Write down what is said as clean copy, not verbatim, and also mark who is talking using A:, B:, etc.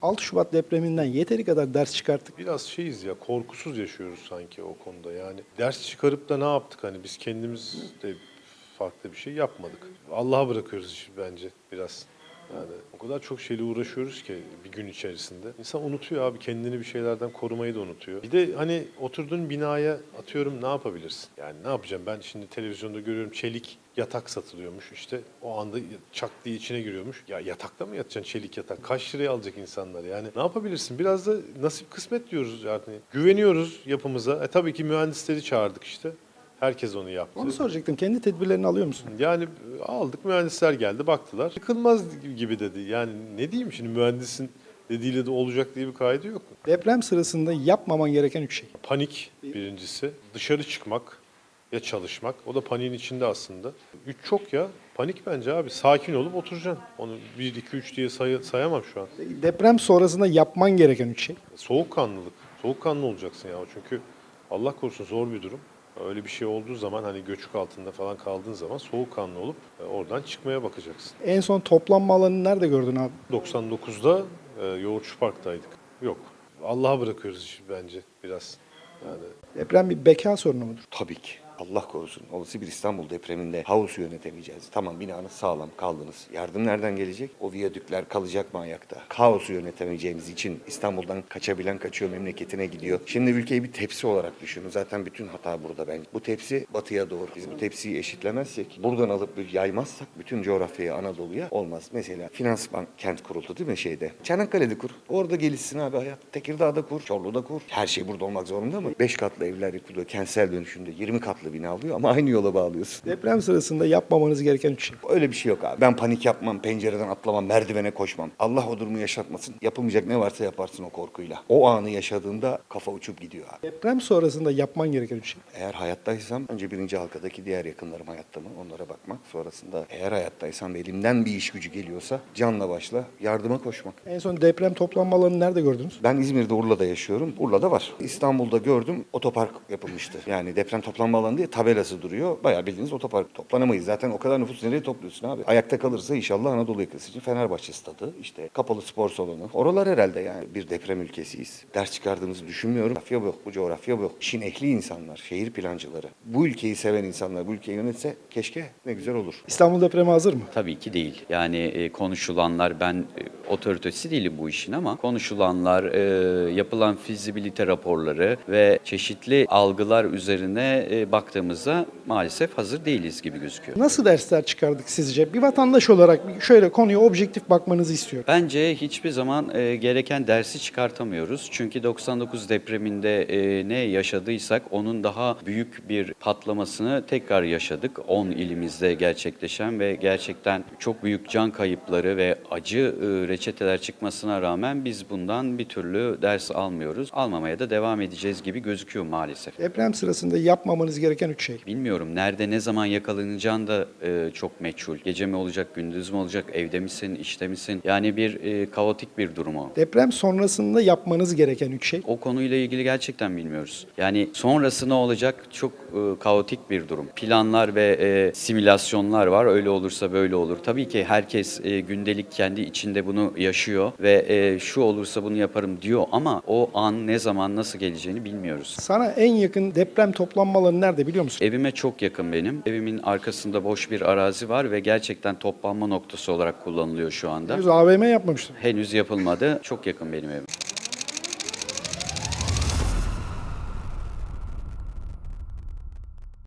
A: 6 Şubat depreminden yeteri kadar ders çıkarttık.
B: Biraz şeyiz ya, korkusuz yaşıyoruz sanki o konuda yani. Ders çıkarıp da ne yaptık hani biz kendimiz de farklı bir şey yapmadık. Allah'a bırakıyoruz işi bence biraz. Yani o kadar çok şeyle uğraşıyoruz ki bir gün içerisinde. İnsan unutuyor abi, kendini bir şeylerden korumayı da unutuyor. Bir de hani oturduğun binaya atıyorum ne yapabilirsin? Yani ne yapacağım ben şimdi televizyonda görüyorum çelik yatak satılıyormuş işte o anda çak diye içine giriyormuş. Ya yatakta mı yatacaksın çelik yatak? Kaç liraya alacak insanlar yani? Ne yapabilirsin? Biraz da nasip kısmet diyoruz yani. Güveniyoruz yapımıza. Tabii ki mühendisleri çağırdık işte. Herkes onu yaptı.
A: Onu soracaktım. Kendi tedbirlerini alıyor musun?
B: Yani aldık, mühendisler geldi baktılar. Yıkılmaz gibi dedi. Yani ne diyeyim şimdi, mühendisin dediğiyle de olacak diye bir kaydı yok.
A: Deprem sırasında yapmaman gereken 3 şey.
B: Panik birincisi. Dışarı çıkmak ya çalışmak. O da paniğin içinde aslında. 3 çok ya. Panik bence abi. Sakin olup oturacaksın. Onu 1, 2, 3 diye sayamam şu an.
A: Deprem sonrasında yapman gereken 3 şey.
B: Soğukkanlılık. Soğukkanlı olacaksın ya. Çünkü Allah korusun zor bir durum. Öyle bir şey olduğu zaman hani göçük altında falan kaldığın zaman soğukkanlı olup oradan çıkmaya bakacaksın.
A: En son toplanma alanını nerede gördün abi?
B: 99'da Yoğurtçu Park'taydık. Yok. Allah'a bırakıyoruz işi bence biraz. Yani
A: Deprem bir beka sorunu mudur?
C: Tabii ki. Allah korusun. Olası bir İstanbul depreminde havusu yönetemeyeceğiz. Tamam, binanız sağlam, kaldınız. Yardım nereden gelecek? O viyadükler kalacak mı ayakta? Kaosu yönetemeyeceğimiz için İstanbul'dan kaçabilen kaçıyor, memleketine gidiyor. Şimdi ülkeyi bir tepsi olarak düşünün. Zaten bütün hata burada bence. Bu tepsi batıya doğru. Biz bu tepsiyi eşitlemezsek, buradan alıp bir yaymazsak bütün coğrafyaya, Anadolu'ya olmaz. Mesela Finansbank kent kuruldu değil mi şeyde? Çanakkale'de kur. Orada gelişsin abi hayat. Tekirdağ'da kur, Çorlu'da kur. Her şey burada olmak zorunda mı? 5 katlı evler yapılıyor. Kentsel dönüşümde 20 katlı bina alıyor ama aynı yola bağlıyorsun.
A: Deprem sırasında yapmamanız gereken 3 şey.
C: Öyle bir şey yok abi. Ben panik yapmam, pencereden atlamam, merdivene koşmam. Allah o durumu yaşatmasın. Yapılmayacak ne varsa yaparsın o korkuyla. O anı yaşadığında kafa uçup gidiyor abi.
A: Deprem sonrasında yapman gereken 3 şey.
C: Eğer hayattaysam önce birinci halkadaki diğer yakınlarım hayatta mı onlara bakmak. Sonrasında eğer hayattaysam ve elimden bir iş gücü geliyorsa canla başla yardıma koşmak.
A: En son deprem toplanma alanını nerede gördünüz?
C: Ben İzmir'de, Urla'da yaşıyorum. Urla'da var. İstanbul'da gördüm, otopark yapılmıştı. Yani deprem toplanma alanı diye tabelası duruyor. Bayağı bildiğiniz otopark. Toplanamayız. Zaten o kadar nüfus nereye topluyorsun abi? Ayakta kalırsa inşallah Anadolu yakası için Fenerbahçe stadı, işte kapalı spor salonu. Oralar herhalde yani bir deprem ülkesiyiz. Ders çıkardığımızı düşünmüyorum. Coğrafya bu yok, bu coğrafya bu yok. İşin ehli insanlar, şehir plancıları. Bu ülkeyi seven insanlar bu ülkeyi yönetse keşke ne güzel olur.
A: İstanbul depremi hazır mı?
D: Tabii ki değil. Yani konuşulanlar, ben otoritesi değilim bu işin ama konuşulanlar, yapılan fizibilite raporları ve çeşitli algılar üzerine baktığımızda maalesef hazır değiliz gibi gözüküyor.
A: Nasıl dersler çıkardık sizce? Bir vatandaş olarak şöyle konuya objektif bakmanızı istiyorum.
D: Bence hiçbir zaman gereken dersi çıkartamıyoruz. Çünkü 99 depreminde ne yaşadıysak onun daha büyük bir patlamasını tekrar yaşadık. 10 ilimizde gerçekleşen ve gerçekten çok büyük can kayıpları ve acı reçeteler çıkmasına rağmen biz bundan bir türlü ders almıyoruz. Almamaya da devam edeceğiz gibi gözüküyor maalesef.
A: Deprem sırasında yapmamanız gereken 3 şey.
D: Bilmiyorum, nerede ne zaman yakalanacağın da çok meçhul. Gece mi olacak, gündüz mü olacak, evde misin, işte misin? Yani bir kaotik bir durum o.
A: Deprem sonrasında yapmanız gereken 3 şey.
D: O konuyla ilgili gerçekten bilmiyoruz. Yani sonrası ne olacak çok kaotik bir durum. Planlar ve simülasyonlar var. Öyle olursa böyle olur. Tabii ki herkes gündelik kendi içinde bunu yaşıyor ve şu olursa bunu yaparım diyor ama o an ne zaman nasıl geleceğini bilmiyoruz.
A: Sana en yakın deprem toplanma alanı nerede biliyor musun?
D: Evime çok yakın benim. Evimin arkasında boş bir arazi var ve gerçekten toplanma noktası olarak kullanılıyor şu anda.
A: Henüz AVM yapmamıştım.
D: Henüz yapılmadı. Çok yakın benim evim.